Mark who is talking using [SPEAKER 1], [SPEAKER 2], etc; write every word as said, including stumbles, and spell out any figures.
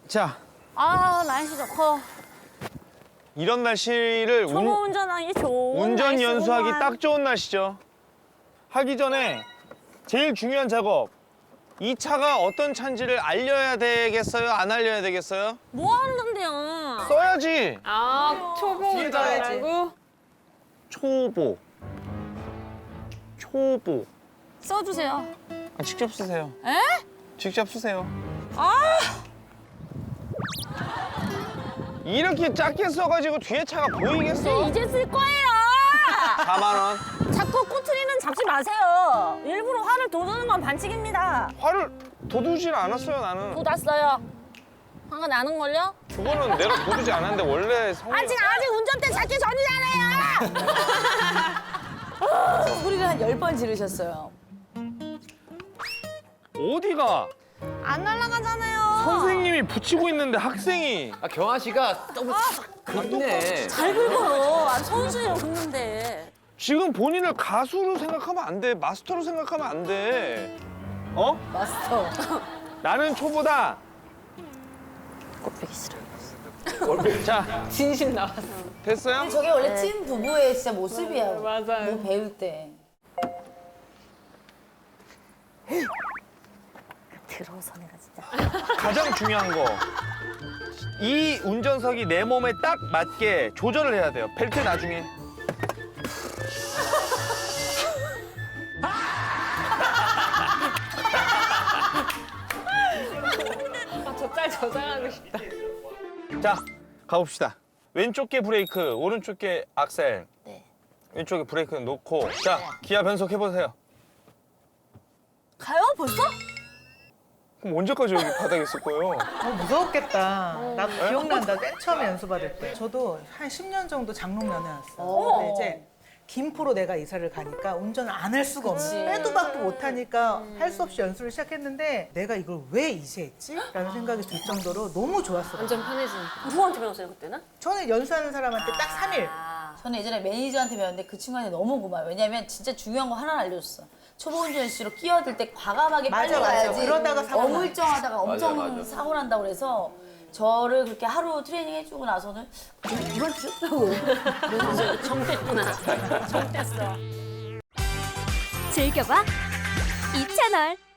[SPEAKER 1] 자,
[SPEAKER 2] 아 날씨 좋고
[SPEAKER 1] 이런 날씨를
[SPEAKER 2] 초보
[SPEAKER 1] 운,
[SPEAKER 2] 운전하기 좋은
[SPEAKER 1] 운전
[SPEAKER 2] 날씨구만.
[SPEAKER 1] 연수하기 딱 좋은 날씨죠. 하기 전에 제일 중요한 작업. 이 차가 어떤 차인지를 알려야 되겠어요? 안 알려야 되겠어요?
[SPEAKER 2] 뭐 하는데요?
[SPEAKER 1] 써야지.
[SPEAKER 3] 아, 초보 운전이라고?
[SPEAKER 1] 초보. 초보.
[SPEAKER 2] 써주세요.
[SPEAKER 1] 아, 직접 쓰세요.
[SPEAKER 2] 에?
[SPEAKER 1] 직접 쓰세요.
[SPEAKER 2] 아
[SPEAKER 1] 이렇게 작게 써가지고 뒤에 차가 보이겠어?
[SPEAKER 2] 이제 쓸 거예요.
[SPEAKER 1] 사만 원.
[SPEAKER 2] 자꾸 꼬투리는 잡지 마세요. 일부러 화를 돋우는 건 반칙입니다.
[SPEAKER 1] 화를 돋우질 않았어요, 나는.
[SPEAKER 2] 돋았어요. 화가 나는 걸요?
[SPEAKER 1] 그거는 내가 돋우지 않았는데 원래 성이...
[SPEAKER 2] 아직 아직 운전대 잡기 전이잖아요.
[SPEAKER 4] 소리를 한 열 번 지르셨어요.
[SPEAKER 1] 어디가?
[SPEAKER 2] 안 날아가잖아요.
[SPEAKER 1] 선생님이 붙이고 있는데 학생이.
[SPEAKER 5] 아, 경아 씨가 너무 긁네.
[SPEAKER 2] 잘 긁어요. 아, 선수예요 긁는데.
[SPEAKER 1] 지금 본인을 가수로 생각하면 안 돼. 마스터로 생각하면 안 돼. 어?
[SPEAKER 4] 마스터.
[SPEAKER 1] 나는 초보다.
[SPEAKER 2] 꼴보기 싫어.
[SPEAKER 1] 자,
[SPEAKER 3] 진심 나왔어.
[SPEAKER 1] 됐어요?
[SPEAKER 4] 저게 원래 찐 부부의 진짜 모습이야.
[SPEAKER 3] 맞아요.
[SPEAKER 4] 뭐 배울 때.
[SPEAKER 2] 들어서 내가 진짜.
[SPEAKER 1] 가장 중요한 거. 이 운전석이 내 몸에 딱 맞게 조절을 해야 돼요. 벨트 나중에.
[SPEAKER 3] 아, 저 짤 저장하고 싶다.
[SPEAKER 1] 자, 가봅시다. 왼쪽 게 브레이크, 오른쪽 게 악셀.
[SPEAKER 2] 네.
[SPEAKER 1] 왼쪽에 브레이크 놓고. 자, 기아 변속 해보세요.
[SPEAKER 2] 가요 벌써?
[SPEAKER 1] 그럼 언제까지 여기 바닥에 있을 거예요?
[SPEAKER 6] 어, 무서웠겠다. 나도 기억난다. 맨 처음에 연수받을 때. 저도 한 십 년 정도 장롱면허 왔어요. 근데 이제 김포로 내가 이사를 가니까 운전을 안 할 수가 없는 빼도 박도 못하니까 할 수 없이 연수를 시작했는데 내가 이걸 왜 이제 했지? 라는 생각이 들 정도로 너무 좋았어요.
[SPEAKER 3] 완전 편해진.
[SPEAKER 2] 누구한테 배웠어요 그때는?
[SPEAKER 6] 저는 연수하는 사람한테 딱 삼 일.
[SPEAKER 4] 저는 예전에 매니저한테 배웠는데 그 친구한테 너무 고마워요. 왜냐면 진짜 중요한 거 하나 알려줬어. 초보 운전수로 끼어들 때 과감하게 빨리
[SPEAKER 6] 맞아, 맞아.
[SPEAKER 4] 가야지.
[SPEAKER 6] 그러다가 사고 나요.
[SPEAKER 4] 어물쩡하다가 엄청
[SPEAKER 5] 맞아, 맞아.
[SPEAKER 4] 사고 난다고 그래서 저를 그렇게 하루 트레이닝 해주고 나서는 이런 뜻하고
[SPEAKER 2] 정됐구나. 정됐어.
[SPEAKER 7] 즐겨봐 이 채널.